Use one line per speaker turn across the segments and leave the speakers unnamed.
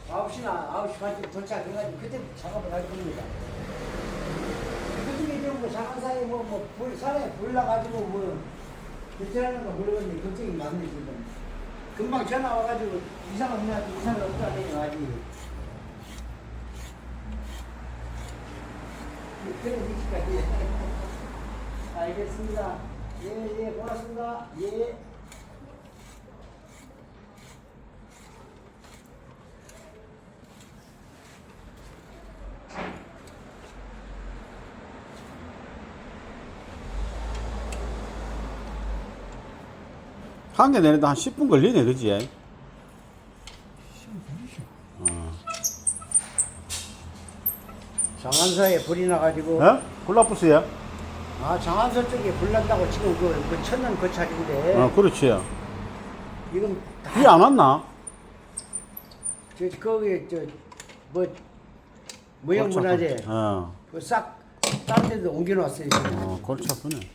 9시나 9시 반쯤 도착해가지고 그때 작업을 할 겁니다. 그중에 이제 뭐 장안사에 산에 불 나가지고 뭐 대체하는 거 모르겠는데 걱정이 많네 지금. 금방 전화 와가지고 이상 없냐 이상 없다더니 아직. 그런 위치까지. 알겠습니다. 예, 고맙습니다. 예.
한 개 내는데 한 10분 걸리네, 그지?
장안서에 불이 나가지고.
어? 콜라푸스야?
아, 장안서 쪽에 불 난다고 지금 그 천연 그 차인데.
그렇지.
이건
비 안 왔나?
거기 뭐 무형문화재 그싹 다른 데도 옮겨놨어요. 지금.
골치 아프네.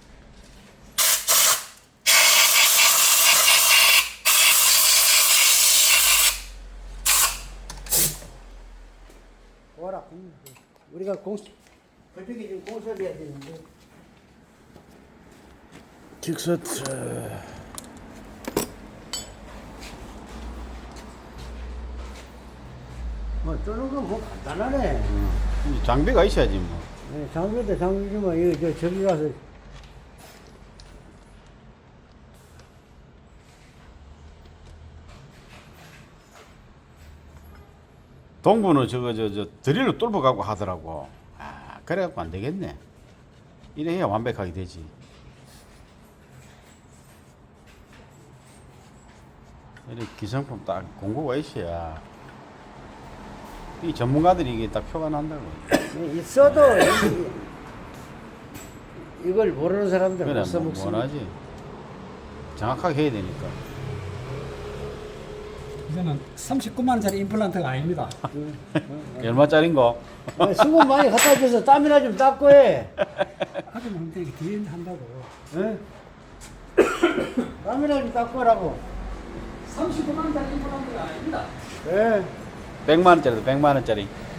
와라. 우리가 그쪽에 지금 공사해야 되는데.
킥서트.
뭐 쪼는 건 뭐 간단하네.
장비가 있어야지 뭐.
네, 장비도 장비지만 이거 저기 가서
동부는 저거 드릴로 뚫어 가고 하더라고. 그래갖고 안 되겠네. 이래 해야 완벽하게 되지. 이렇게 기성품 딱 공고가 있어야 이 전문가들이 이게 딱 표가 난다고.
있어도 이걸 모르는 사람들은
그래,
못 써먹습니다.
원하지. 정확하게 해야 되니까.
이거는 39만 원짜리 임플란트가 아닙니다.
얼마짜린 거?
수건 많이 갖다 줘서 땀이나 좀 닦고 해.
하긴 한데 뒤에 한다고.
예? 땀이나 좀 닦고 하라고.
39만 원짜리 임플란트가 아닙니다.
예.
100만 원짜리도 100만 원짜리.